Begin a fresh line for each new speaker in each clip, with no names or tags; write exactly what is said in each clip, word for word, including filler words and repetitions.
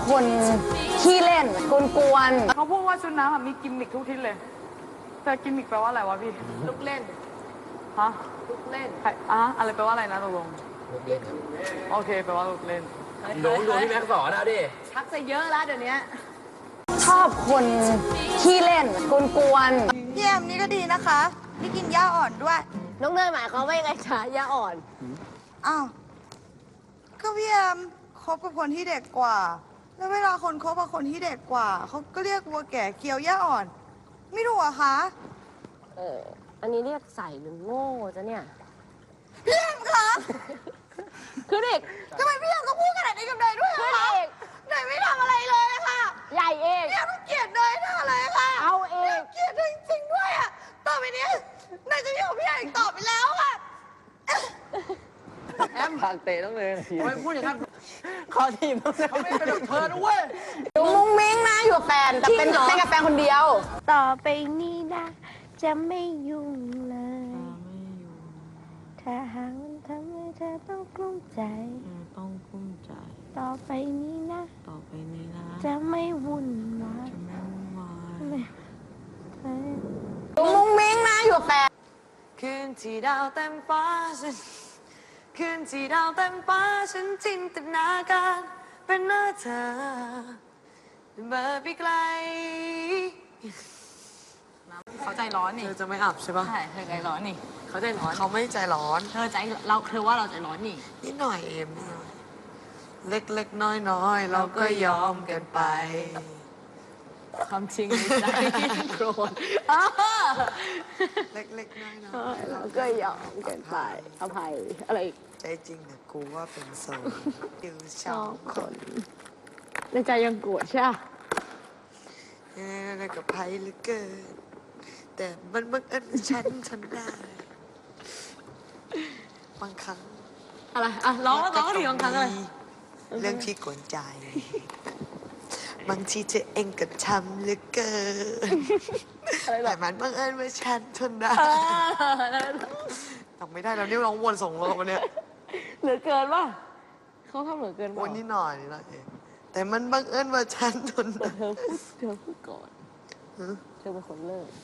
คนขี้เล่นกวนๆ
เขาพูดว่าชุดน้ำมีกิมมิคทุกทิศเลยแต่กิมมิคแปลว่าอะไรวะพี่
ลูกเล่น
ฮะ
ลูกเล่น
ใครอ่ะอะไรแปลว่าอะไรนะตกลง
ลูกเล่นครับ
โอเคแปลว่าลูกเล่น
หนูดูที่แม็กสอนนะดิ
ชักจะเยอะแล้วเดี๋ยวนี้ชอบคนขี้เล่นกวนๆ
พี่แอมนี่ก็ดีนะคะนี่กินหญ้าอ่อนด้วย
น้องเนยหมายความว่ายังไงคะยาอ่อน
อ้าว ก็พี่แอมคบกับคนที่เด็กกว่า แล้วเวลาคนคบกับคนที่เด็กกว่า เขาก็เรียกวัวแก่เคี้ยวหญ้าอ่อน ไม่ถูกเหรอคะ
เอออันนี้เรียกใส่หรือโง่จ้ะเนี่ย
พี่แอมคะ
คือเด็ก
ทำไมพี่แอมต้องพูดขนาดนี้กับเนยด้วย
คือ
อะคะ
เด็ก
เนยไม่ทำอะไรเลยอะค่ะ
ใหญ่เอง
พี่แอมต้องเกลียดเนยแน่เลยค่ะ
เอาเอง
เกลียดเนยจริงๆด้วยอะต่อไปนี้เนยจะไม่อยู่กับพี่แอมอีกต่อไปแล้วค่ะ
แอมผ่านเตะต้องเลยที
ไม่พูดอย่างนั้น
ขอทีมต้องเลยเขาไม่เป็นเพิร์นเว้ย
อยู่มุ้งมิ้งนะอยู่กับแฟนแต่เป็นเป็นกับแฟนคนเดียว
ต่อไปนี้นะ จะไม่ยุ่งเลย ถ้าหากมันทำให้เธอต้องกลุ้มใจ
ต้องกุ้มใจ
ต่อไปนี้นะ
ต่อไปนี้นะ
จะไม่วุ่นวาย
จะไม่วุ่นวาย
ไม่ไม่
อยู่มุ้งมิ้งนะอยู่กับแฟน
คืนที่ดาวเต็มฟ้าฉันคืนที่ดาวเต็มฟ้าฉันจินตนาการเป็นหน้าเธอเบอร์ไปไกลเขาใจร้อนนี่
เธอจะไม่อับใช่ปะ
ใช่เธอใจร้อนนี่เขาใจร้อน
เขาไม่ใจร้อน
เธอใจเราเธอว่าเราใจร้อนนี่
นิดหน่อยเอ็มนิดหน่อยเล็กๆน้อยๆเราก็ยอมกันไป
ความจริงในใจโกรธ
เล็กๆน้อย
เราก็ยอมเกินไปอภัยอะไร
ๆใจจริงนะกูว่าเป็นโซนอยู่สองคน
ในใจยังโกรธใช่ไหม
นี่กับไพ่เหลือเกินแต่มันบังเอิญว่าฉันทำได้บางครั้ง
อะไรอ่ะร้องร้องทีบางครั้งอะไร
เรื่องที่กวนใจ บางทีเธอเองก็ทำเหลือเกินแต่มันบังเอิญว่าฉันทนได้ทำไม่ได้แล้วนี่ร้องวนส่งลงมาเนี่ย
เหลือเกินป่ะเขาทำเหลือเกิน
ว
ป่ะ
นนิดหน่อยนิดหน่อยเองแต่มันบังเอิญว่าฉันทน
แต่
ได้
เธอพูดเธอพูดก่อนเธอเป็นคนเลิก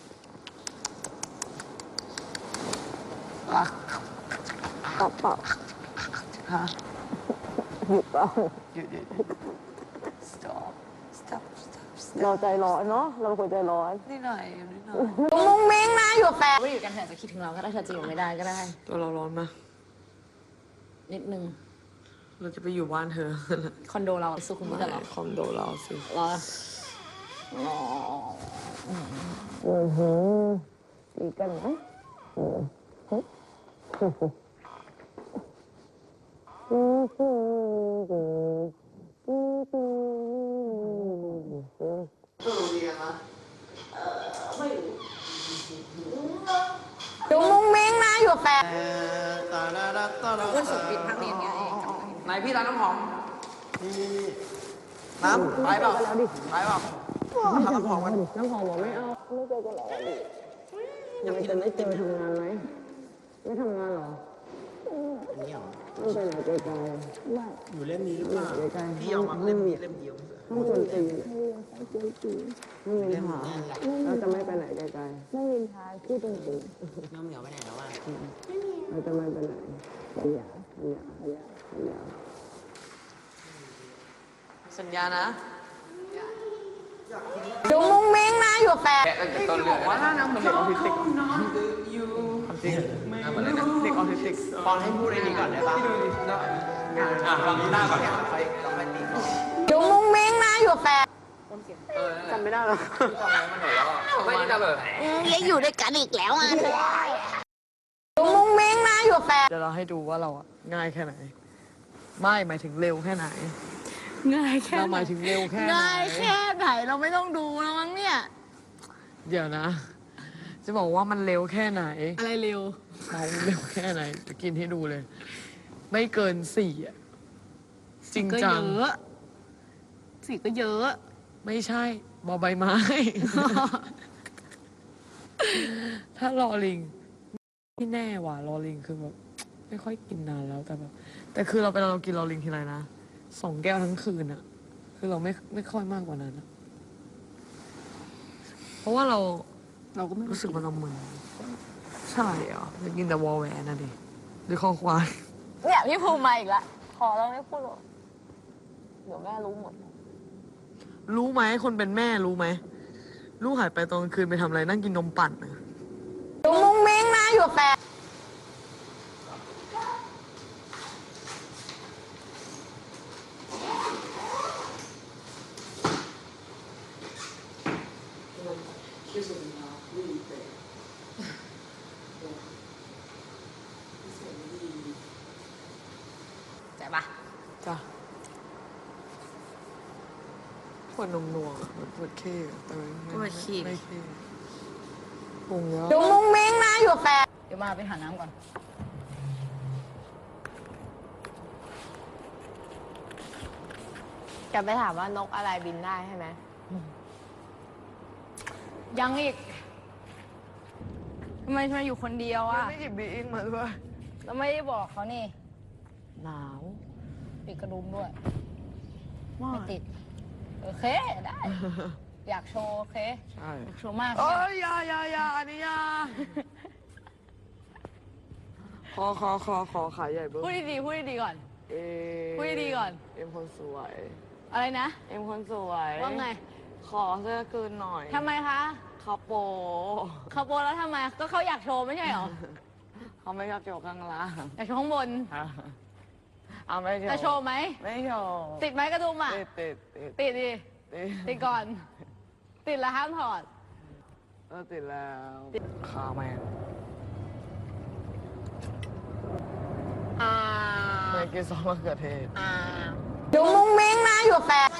ตอบเปล่า
ฮะ
หยุดเปล่า
หยุดหยุด stop stop stop stop
เราใจร้อนเนาะเราเป็นคนใจร้อน
นิดหน่อยนิดหน่อย
มุ้งมิ้งนะอยู่กับแฟนไม่อยู่กันเถอะจะคิดถึงเราก็ได้เธอจะอยู่ไม่ได้ก็ได้
ตัวเราร้อนไหม
นิดนึง
เราจะไปอยู่บ้านเธอ
คอนโดเราสุขุมวิทเหรอ
คอมโดเราสิ
เหรออ๋ออือหือดีกันไหมอือหืออือหืออือหือ
ตัวเราเรียนนะ
อยู่มุ้งมิ้งนะอยู่กับแฟน
เพื่อนสุดปิดทางเรียนไงไหนพี่ร้านน้ำหอมน้ำไปเปล่าไปเปล่าทำน้ำหอมกัน
น้ำหอมบอกไม่เอาไม่เจอกันหรอดิยังจะไม่เจอทำงานไหมไม่ทำงานหรอไม่ไปไหนไกลๆไม่อยู่เล่มนี้หรือเปล่าไกลๆ
พี่เอามาเล่มนี้เล่มเดียว
ห้องดนตรีไม่มีหาเราจะไม่ไปไหนไกลๆไม่มีทางที่ดนตรี
น้ำเหนียวไปไหนแล้ววะ
เราจะไม่ไปไหนขยะขยะขยะขยะ
สัญญานะ
อยู่มุ้งมิ้งนะอยู่กับแฟน
ต้นเรื่องว่าหน้าน้ำเหมือนเด็กออทิสติกจริงเหมือนเด็กออทิสติกฟอนให้พูดไอ้นี่ก่อนได้ป่ะอ่ะฟังหน้าก่อนเนี่ยค่อยเราค่อยตีก่อน
อยู่มุ้งมิ้งนะอยู่กับแฟน
จำไม่ได้หรอจำมันหนูแล้วไม่ได้จำเลย
ยังอยู่ด้วยกันอีกแล้วอ่ะ
อยู่มุ้งมิ้งนะอยู่กับแฟน
เดี๋ยวเราให้ดูว่าเราอะง่ายแค่ไหน ไม่หมายถึงเร็วแค่ไหน
ง่ายแค่
เราหมายถึงเร็วแค่ไหน
ง่ายแค่ไหนเราไม่ต้องดูแล้วมั้งเนี่ย
เดี๋ยวนะ จะบอกว่ามันเร็วแค่ไหน
อะไรเร็ว
เราเร็วแค่ไหน จะกินให้ดูเลย ไม่เกินสี่อะจริง
ก็
จั
เย
ง
อะสีก็เยอะ
ไม่ใช่บอใบไม้ ถ้ารอลิงไม่แน่ว่ะรอลิงคือแบบไม่ค่อยกินนานแล้วแต่แบบแต่คือเราเป็นเรากินรอลิงทีไรนะสองแก้วทั้งคืนอะ
คือเราไม่ไม่ค่อยมากกว่านั้นนะเพราะว่าเรา
เราก็ไม่
รู้สึกมันเรามึนใช่เหรอจะกินแต่วอลแหวนนะดิหรือคอควาย
เนี่ยพี่ภูมิมาอีกแล้วขอเราไม่พูดหรอกเดี๋ยวแม่รู้หมด
รู้ไหมคนเป็นแม่รู้ไหมลูกหายไปตอนกลางคืนไปทำอะไรนั่งกินนมปั่นนะ
ดูมุ้งมิ้งนะอยู่แปด ใจปะ
จ้ะปวดนมนวงอะเหมือนปวดเข้อะแต่ไม่ไม่ไม่ไม่เข้ปรุงเยอะ
ดูมุ้งมิ้งนะอยู่แปดเดี๋ยวมาไปหาน้ำก่อน จะไปถามว่านกอะไรบินได้ใช่ไหม ยังอีก ทำไมทำไมอยู่คนเดียวอ่ะ
ไม่หยิบบีอิงมาด้วย
แล้วไม่ได้บอกเขานี่
หนาว
ปิดกระดุมด้วย
มา
ไม่
ก
ติด โอเค ได้ อยากโชว์ โอเค
ใช่
อยากโชว์มาก
เอ้ยอยาอยาอยาอันนี้อยาขอขอขอขอขายใหญ่เบิ้ม
พูดดีๆพูดดีๆก่อน
เอ็ม
พูดดีๆก่อน
เอ็มคนสวย
อะไรนะ
เอ็มคนสวย
ว่าไง
ขอเสื้อคืนหน่อย
ทำไมคะ
เขาโป
เขาโปรแล้วทำไม ก็เขาอยากโชว์ไม่ใช่เหรอ
เขาไม่ชอบโจกข้างล่าง
อยากโชว์ข้างบน
เอาไม่โชว์
จะโชว์ไหม
ไม่โชว์
ติดไหมกระดุมอ่ะ
ติดติดติด
ติดดิ
ติด
ติดก่อน ติดแล้วห้ามถอด
เออติดแล้วขาแมง
อ่า
แมงกินซอสมะเขือเทศ
อ่าดูมุ้งมิ้งนะอยู่แปด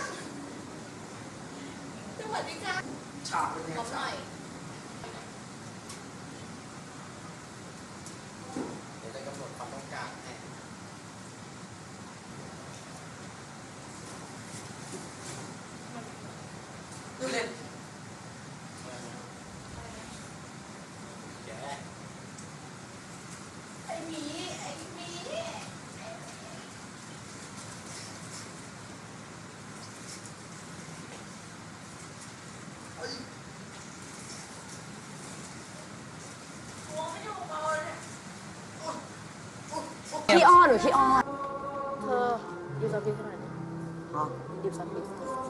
พี่อ้อนหรือพี่อ้อนเธอหยิบสติ๊กขนาดนี้
ฮะ
หยิบสติ๊ก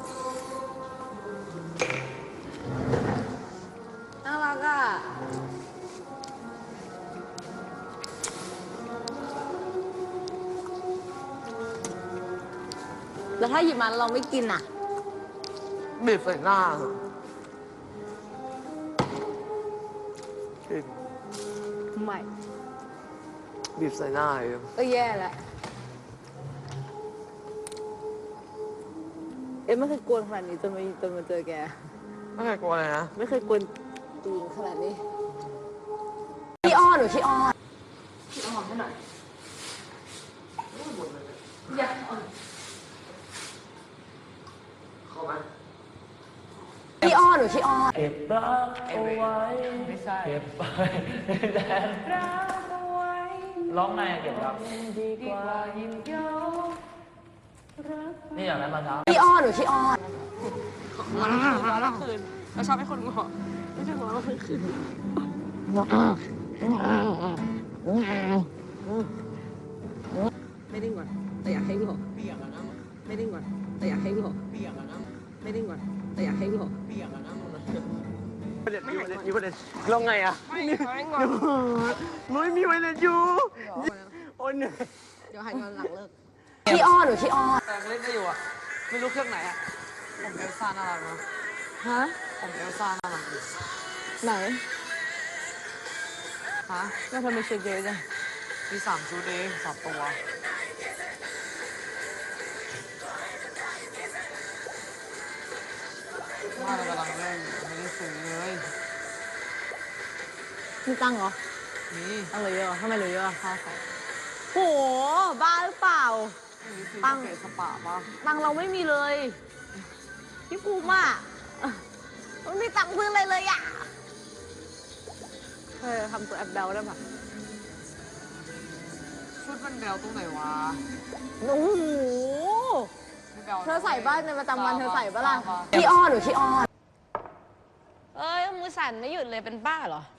น่ารักอ่ะ แล้วถ้าหยิบมันเราไม่กินอ่ะ
บีบใส่หน้ากิน
ไม่
บีบใส่หน้าเอง
ก็แย่แล้ว เอ็มไม่เคยกวนขนาดนี้จนมาจนมาเจอแก
ไม่เคยกลัวเลยนะ
ไม่เคยกวนตีนขนาดนี้ พี่อ้อนหรือพี่อ้อน
เข้าไหม
พี่อ้อนหรือพี่อ้อน
เก็บรักเอาไว้
ไม่ใช่
เก็บไปแต่รักเอาไว้ร้องไงอะเก็บรักดีกว่ายิ่งเยานี่อย่างนั้นมาครับ
พี่อ้อนหรือพี่อ้อน
มาแล้วคืนเราชอบให้คนงอไม่ใช่งอแล้วคืน
ไม่ดิ้งก่อน แต่อยากให้หลอกเปียกอะนะไม่ดิ้งก่อน แต่อยากให้หลอกเปียกอะนะไม่ดิ้งก่อน แต่อยากให้หลอกเปียกอะนะ
ประเด็นมีประเด็นมีประเด็นลงไงอะไม่ไม่งอไม่มีประเด็นอยู่โอ้ยเหนื่อย
เดี๋ยวหายงอนหลังเลิก
พี่อ้อนหรือพี่อ้อน
แต่เล่นได้อยู่อะไม่รู้เครื่องไหนอะผมเอลซ่าน่ารักเนาะ
ฮะ
ผมเอลซ่าน่ารักดี
ไหน
ฮะ
แล้วทำไมชุดเยอะจัง
มีสามชุดเองสามตัวว่าเรากำลังเล่นไม่ได้ซื้อเลย
มีตังค์เหรอ
นี่
ตังค์เหลือเยอะเหรอทำไมเหลือเยอะอะค่าของโห บ้าหรือเปล่า
ตั้งเกสปะป่ะ
ตังค์เราไม่มีเลย พี่ภูมิอ่ะมันมีตังค์ซื้ออะไรเลยอ่ะเธอทำตัวแอปเบลได้ปะ
ชุดมันแบวตรงไหนวะ
โอ้โห
ไม่แบเธอใส่บ้านในประจำวันเธอใส่ปะล่ะขี้อ้อนหรือขี้อ้อน
เอ้ยมือสั่นไม่หยุดเลยเป็นบ้าเหรอ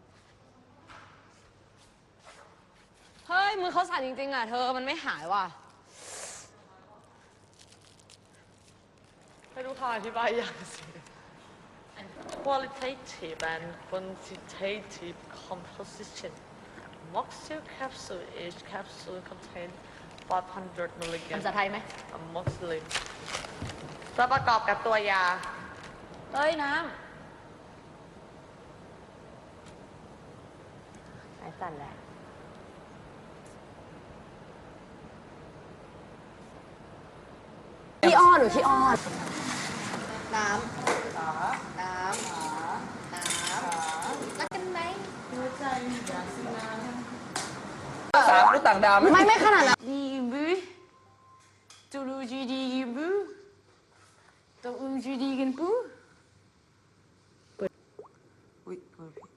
เฮ้ย มือเขาสั่นจริงๆอ่ะ เธอมันไม่หายว่ะ
ไม่รู้คำอธิบายอย่างสิ qualitative and quantitative composition Moxil capsule each capsule contains five hundred milligrams
ภาษาไทยไหม
amoxicillin จะประกอบกับตัวยา
เอ้ย น้ำสายสั่นแหละ
ขี้อ้อนหรือขี้อ้อน
น้ำ น้ำ น้ำ
รักกันไหม
สามมนุษย์ต่างดาวไหม
ไม่ไม่ขนาดนั้นดีบูตูรูจีดีกันบูตัวอูจีดีกันบู
อุ้ยเปิดผิด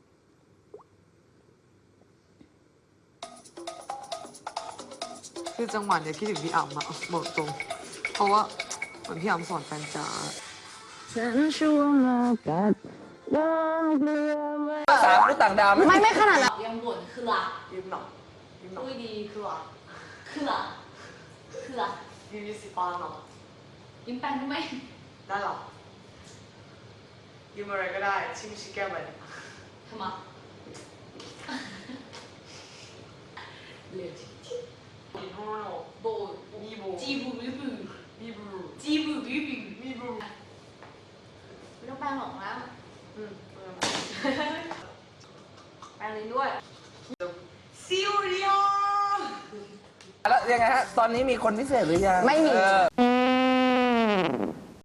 คือจังหวะเนี้ยคิดถึงพี่อ๋ำอะบอกตรง เพราะว่าเหมือนพี่อ๋ำสอนแฟนจ๋า
ฉันชัวร์มากัดดองเกลือมา
สามมนุษย์ต่างดาวไหม
ไม่ไม่ขนาดนั้น
ยังบ่นคือละ
ยืมหน่อยยืมหน่อย
อุ้ยดีคือละคือละคือละ
ยืมยี่สิบปอนด์หน่อย
ยิ้มแป้งได้ไหม
ได้หรอยืมอะไรก็ได้ที่ไม่ใช่แก้วแหวน
ทำไมเหลือ
มีโฮโน
โบ
มีโบ
จีบูบิบู
มีบรู
จีบูบิบู
มีบรู
ไม่ต้องแป้งหรอกนะ
อืมเออ
แป้งลิ้นด้วย
ซิวเรีย
แล้วยังไงฮะ ตอนนี้มีคนพิเศษหรือยัง
ไม่มี
เออ